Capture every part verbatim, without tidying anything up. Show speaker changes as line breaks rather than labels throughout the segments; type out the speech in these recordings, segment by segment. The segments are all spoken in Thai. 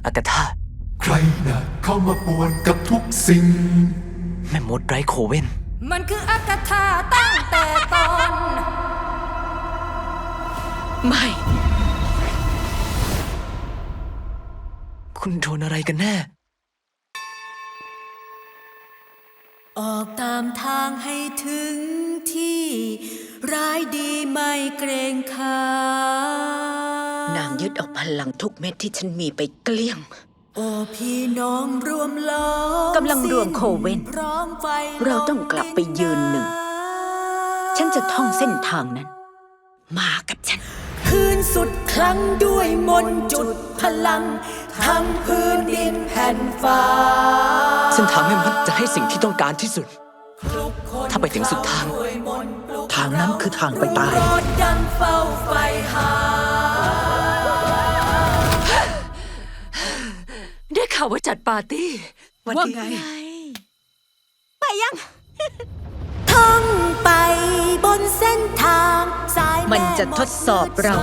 อากาธา
ใครน่ะเข้ามาป่วนกับทุกสิ่ง
แม่มดไร้โคเว่น
มันคืออากาธาตั้งแต่ตอน
ไม่ คุณโดนอะไรกันแน่
ออกตามทางให้ถึงที่ร้ายดีไม่เกรงขาม
นางยึดเอาพลังทุกเม็ดที่ฉันมีไปเกลี้ยง
โอ้พี่น้องรวมล้อม
กำลังรวมโคเว่นเราต้องกลับไปยืนหนึ่งฉันจะท่องเส้นทางนั้นมากับฉัน
คืนสุดครั้งด้วยมนต์จุดพลังทั้งพื้นดินแผ่นฟ้า
เส้นทางแม่มดจะให้สิ่งที่ต้องการที่สุดถ้าไปถึงสุดทางทางนั้นคือทางไปตาย
ดังเฝ้าไฟหาได้ข่าวว่าจัดปาร์ตี้
ว่าไงไปยัง
ท่องไปบนเส้นทางสาย
มันจะทดสอบเรา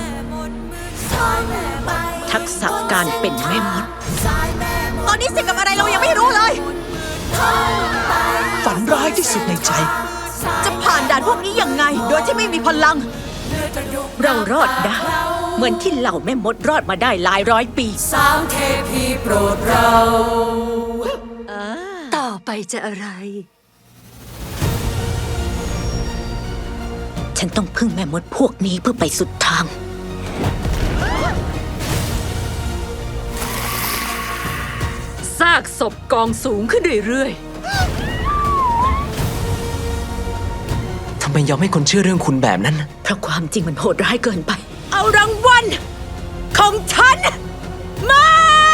ทักษะการเป็นแม่มดตอนนี้เสกกับอะไรเรายังไม่รู้เลย
ฝันร้ายที่สุดในใจ
จะผ่านด่านพวกนี้ยังไงโดยที่ไม่มีพลังเรารอดได้เหมือนที่เหล่าแม่มดรอดมาได้หลายร้อยปี
สามเทพีโปรดเราต่อไปจะอะไร
ฉันต้องพึ่งแม่มดพวกนี้เพื่อไปสุดทาง
ซากศพกองสูงขึ้นเรื่อย
ๆทำไมยอมให้คนเชื่อเรื่องคุณแบบนั้น
เพราะความจริงมันโหดร้ายเกินไปเอารางวัลของฉันมา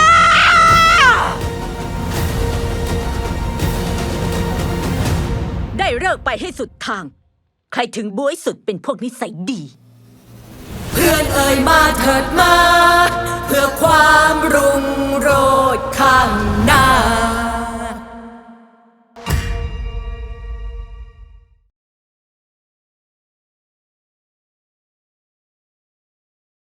ได้เลิกไปให้สุดทางใครถึงบ๊วยสุดเป็นพวกนิสัยดี
เพื่อนเอ่ยมาเถิดมา